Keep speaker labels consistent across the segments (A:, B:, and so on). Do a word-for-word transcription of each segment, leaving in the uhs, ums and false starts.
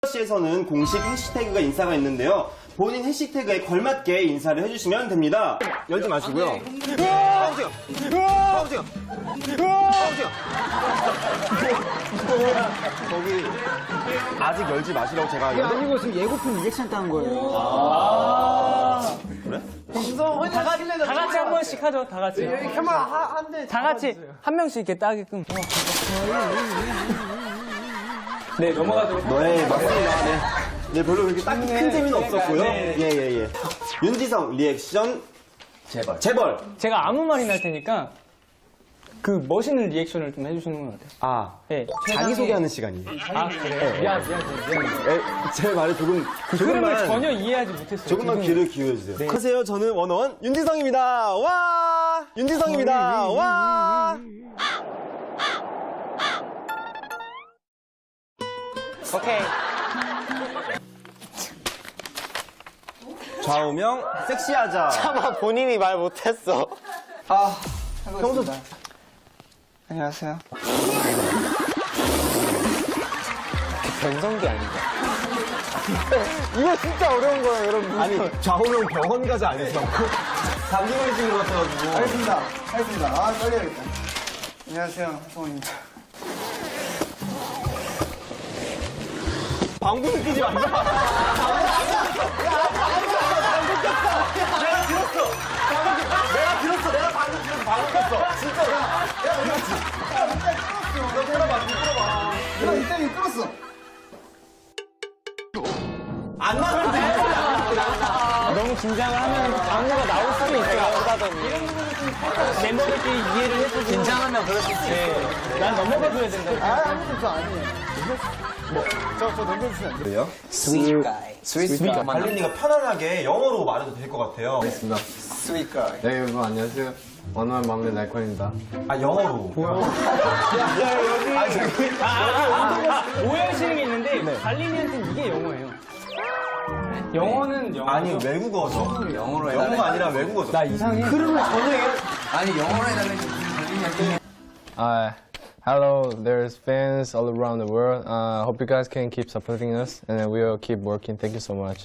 A: 씨에서는 공식 해시태그가 인사가 있는데요. 본인 해시태그에 걸맞게 인사를 해주시면 됩니다. 열지 마시고요. 파우징! 파우징! 파우징! 거기 아직 열지 마시라고 제가.
B: 이게 아니고 지금 예고편 리액션 따는 거예요.
A: 아 그래?
C: 다 같이, 다 같이 한 번씩 하죠, 다 같이. 다 같이 한 명씩 이렇게 따게끔. 네, 넘어가도록.
A: 네, 맞습니다. 네. 네, 별로 그렇게 딱히 큰 재미는 없었고요. 예, 예, 예. 윤지성 리액션 재벌. 재벌.
C: 제가 아무 말이나 할 테니까 그 멋있는 리액션을 좀 해주시는 건 어때요?
A: 아,
C: 네.
A: 자기소개하는 시간이에요.
C: 아, 그래요? 미안, 미안, 미안.
A: 에, 제 말을 조금,
C: 그 흐름을
A: 조금만,
C: 전혀 이해하지 못했어요.
A: 조금만
C: 그
A: 귀를 기울여주세요. 네. 안녕하세요. 저는 원어원 윤지성입니다. 와! 윤지성입니다. 와!
C: 오케이.
A: 좌우명 섹시하자.
D: 차마 본인이 말 못했어.
B: 아,
A: 평소
B: 안녕하세요.
D: 변성기 아닌가?
B: 이거 진짜 어려운 거예요, 여러분.
A: 아니 좌우명 병원 가자 안 했어. 감기 걸리신 것 같아가지고.
B: 알겠습니다. 알겠습니다. 아, 떨려야겠다. 안녕하세요, 성원입니다.
A: 방금 끼지 말자. 내가 들었어. 내가 들었어. 내가 방금 들었어. 방금 꼈어. 진짜. 내가 들었지. 야, 진짜 끌었어. 너 들어봐. 너 들어봐.
B: 내가 이때는 끌었어.
A: 안 나가면 돼.
C: 너무 긴장을 하면 안무가 나올 수도 있어요. 이런 부분은 좀 살짝 멤버들끼리 이해를 해주고.
D: 긴장하면 그럴 수 있지.
C: 네. 난 넘어가줘야 된다.
B: 아, 아무것도 저 아니에요. 저, 저 넘겨주시면 안 돼요?
A: 왜요?
D: 스윗 가이. 스윗 가이.
A: 발린이가 편안하게 영어로 말해도 될 것 같아요.
B: 스윗 가이.
E: 네 여러분 안녕하세요. 원어원 막내 날콘입니다.
A: 아 영어로.
C: 아, 아, 아, 오해하시는 게 있는데 달림이한테는 이게 영어예요. 영어는 영어.
A: 아니 외국어죠.
D: 영어로 해달래.
A: 영어가 아니라 외국어죠.
C: 나 이상해.
D: 아니 영어로 해달래.
E: Uh, hello, there's fans all around the world. Uh, hope you guys can keep supporting us, and then we'll keep working. Thank you so much.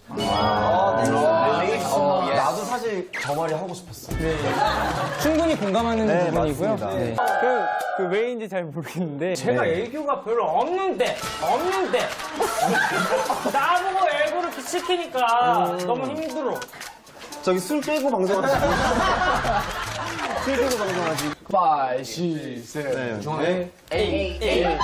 A: 어, 나도 사실 저 말이 하고 싶었어.
C: 충분히 공감하는
A: 네,
C: 부분이고요.
A: 맞습니다.
C: 네. 그, 그 왜인지 잘 모르겠는데 제가
A: 네.
C: 애교가 별로 없는데 없는데 나보고 애교를 이렇게 시키니까 너무 힘들어.
A: 저기 술 빼고 방송하지. 술 빼고 방송하지.
E: Five, six, seven.
A: 네. 네.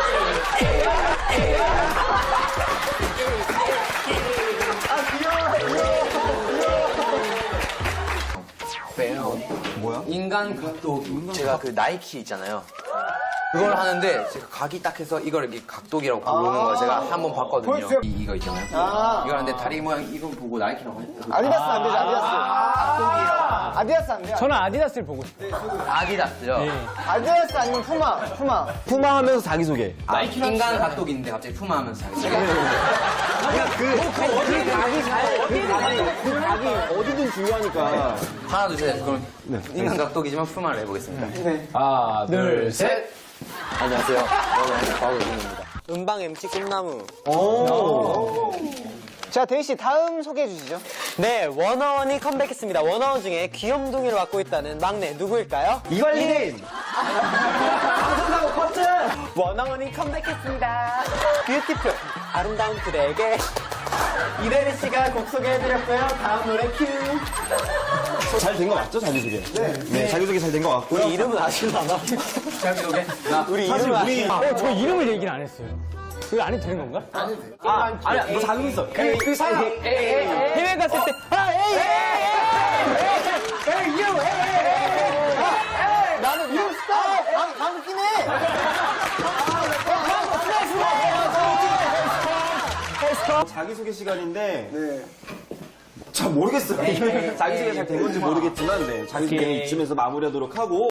A: 뭐야?
D: 인간 각도기. 제가 그 나이키 있잖아요. 그걸 하는데 제가 각이 딱 해서 이걸 이렇게 각도기라고 부르는 거 제가 한 번 봤거든요. 이, 이거 있잖아요. 이걸 하는데 다리 모양 이거 보고 나이키라고 했어요.
B: 아디다스 안 되죠, 아디다스.
D: 각도기라고.
B: 아디다스 안 돼요.
C: 저는 아디다스를 보고 싶어요.
D: 아디다스요.
B: 아디다스 아니면 푸마, 푸마.
A: 푸마 하면서 자기소개.
D: 아, 인간 각도기인데 갑자기 푸마 하면서 자기
A: 그 각이 어디든 중요하니까.
D: 하나 둘 셋. 그럼 인간 각도기지만 푸마를 해보겠습니다.
E: 하나, 둘, 셋.
D: 안녕하세요. 여러분 바우입니다. 음방 엠씨 꿈나무.
B: 자, 데이 씨 다음 소개해 주시죠.
D: 네, 원어원이 컴백했습니다. 원어원 중에 귀염둥이를 맡고 있다는 막내 누구일까요?
A: 이관린! 방송사고 커트!
D: 원어원이 컴백했습니다. 뷰티풀 아름다운 그대에게 이대리 씨가 곡 소개해드렸고요. 다음 노래 큐.
A: 잘 된 거 맞죠, 자기소개? 네. 네, 자기소개 잘 된 거 같고요.
D: 우리 이름은 아시나요? 자기소개. 우리
A: 사실
D: 이름은
A: 우리.
D: 아시나요?
C: 어, 저 이름을 얘기를 안 했어요. 그거 안 해도 되는 건가?
A: 아, 아니야, 너 자기 있어.
C: 그, 그 사람 해외 갔을 때 아, 에이, 에이, 에이, 에이, you, 에이, 에이,
B: 나는 이름 스타! 방, 방금 끼네!
A: 자기소개 시간인데.
B: 네.
A: 잘 모르겠어요. 자기소개 잘 된 건지 모르겠지만, 네. 자기소개는 이쯤에서 마무리하도록 하고.